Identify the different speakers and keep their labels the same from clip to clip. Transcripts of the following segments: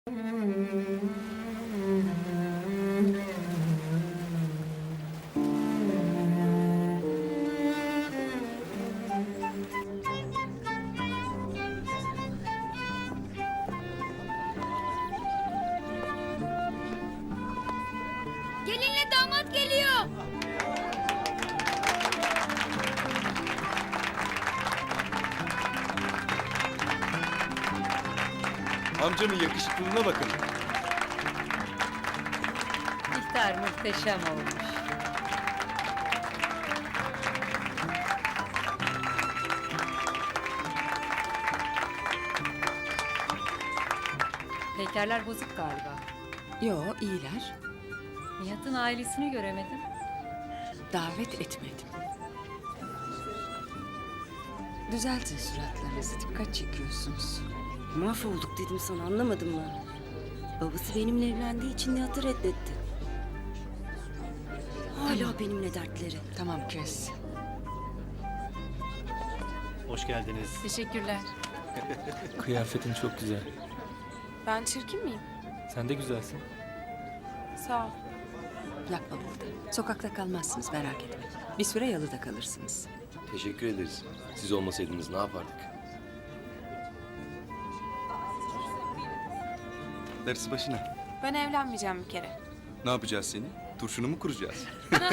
Speaker 1: Gelinle damat geliyor.
Speaker 2: Amcamın yakışıklılığına bakın.
Speaker 3: İftar muhteşem olmuş. Pekerler bozuk galiba.
Speaker 4: Yo, iyiler.
Speaker 3: Nihat'ın ailesini göremedim.
Speaker 4: Davet etmedim. Düzeltin suratlarınızı, dikkat çekiyorsunuz.
Speaker 5: Mahvolduk dedim sana, anlamadın mı? Babası benimle evlendiği için Nihat'ı reddetti. Hala benimle dertleri.
Speaker 4: Tamam, kes.
Speaker 6: Hoş geldiniz.
Speaker 1: Teşekkürler.
Speaker 7: Kıyafetin çok güzel.
Speaker 8: Ben çirkin miyim?
Speaker 7: Sen de güzelsin.
Speaker 8: Sağ ol.
Speaker 4: Yapma burada. Sokakta kalmazsınız, merak etme. Bir süre yalıda kalırsınız.
Speaker 2: Teşekkür ederiz. Siz olmasaydınız ne yapardık?
Speaker 9: Darısı başına.
Speaker 8: Ben evlenmeyeceğim bir kere.
Speaker 9: Ne yapacağız seni? Turşunu mu kuracağız?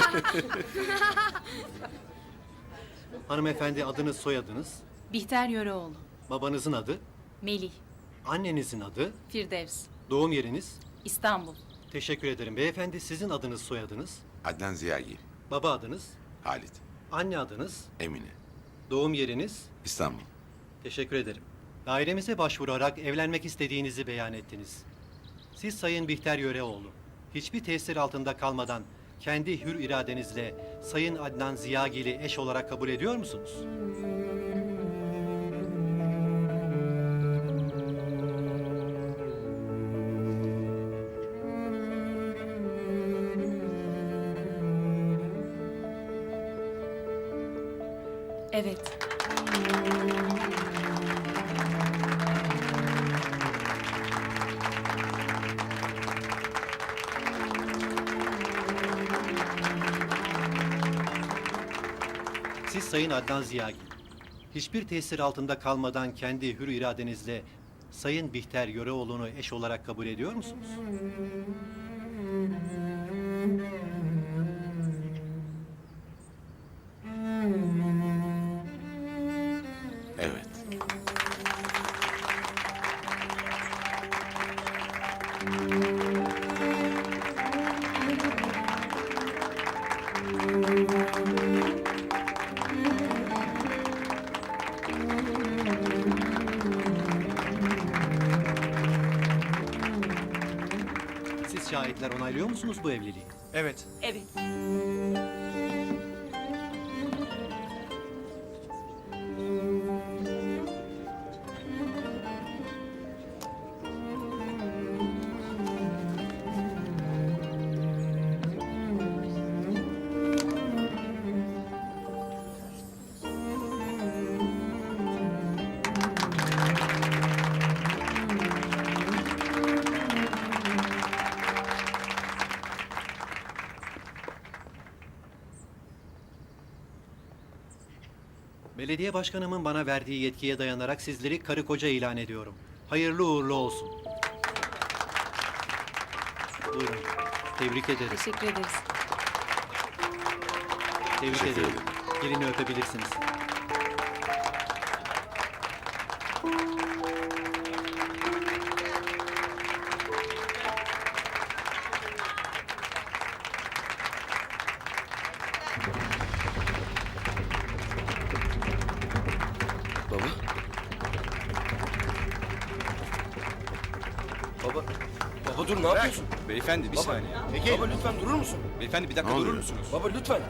Speaker 6: Hanımefendi, adınız, soyadınız,
Speaker 1: Bihter Yöreoğlu.
Speaker 6: babanızın adı,
Speaker 1: Melih.
Speaker 6: annenizin adı,
Speaker 1: Firdevs.
Speaker 6: doğum yeriniz.
Speaker 1: İstanbul.
Speaker 6: Teşekkür ederim. Beyefendi, sizin adınız, soyadınız,
Speaker 10: Adnan Ziyagil,
Speaker 6: baba adınız,
Speaker 10: Halit,
Speaker 6: anne adınız,
Speaker 10: Emine,
Speaker 6: doğum yeriniz.
Speaker 10: İstanbul.
Speaker 6: Teşekkür ederim. Dairemize başvurarak evlenmek istediğinizi beyan ettiniz. Siz Sayın Bihter Yöreoğlu, hiçbir tesir altında kalmadan kendi hür iradenizle Sayın Adnan Ziyagil'i eş olarak kabul ediyor musunuz?
Speaker 1: Evet.
Speaker 6: Siz Sayın Adnan Ziyagil, hiçbir tesir altında kalmadan kendi hür iradenizle Sayın Bihter Yöreoğlu'nu eş olarak kabul ediyor musunuz?
Speaker 10: Evet.
Speaker 6: Siz şahitler onaylıyor musunuz bu evliliği?
Speaker 9: Evet.
Speaker 1: Evet.
Speaker 6: Belediye başkanımın bana verdiği yetkiye dayanarak sizleri karı koca ilan ediyorum. Hayırlı uğurlu olsun. Buyurun. Tebrik ederiz.
Speaker 8: Teşekkür ederiz.
Speaker 6: Tebrik
Speaker 10: Teşekkür
Speaker 6: ederim.
Speaker 10: ederim.
Speaker 6: Gelini öpebilirsiniz.
Speaker 2: Baba? Baba? Baba dur ne yapıyorsun?
Speaker 9: Beyefendi bir
Speaker 2: Baba.
Speaker 9: saniye.
Speaker 2: Baba lütfen durur musun?
Speaker 9: Beyefendi bir dakika
Speaker 10: Ne
Speaker 9: durur
Speaker 10: oluyor?
Speaker 9: musunuz?
Speaker 2: Baba lütfen.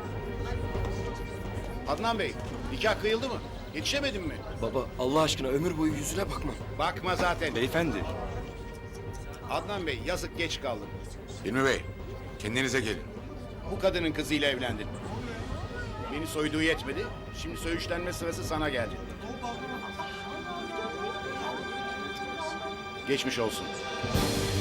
Speaker 11: Adnan Bey, nikah kıyıldı mı? Yetişemedin mi?
Speaker 2: Baba Allah aşkına ömür boyu yüzüne bakmam.
Speaker 11: Bakma zaten.
Speaker 9: Beyefendi.
Speaker 11: Adnan Bey, yazık geç kaldın.
Speaker 10: Hilmi Bey, kendinize gelin.
Speaker 11: Bu kadının kızıyla evlendin. Beni soyduğu yetmedi, şimdi söğüşlenme sırası sana geldi. Geçmiş olsun.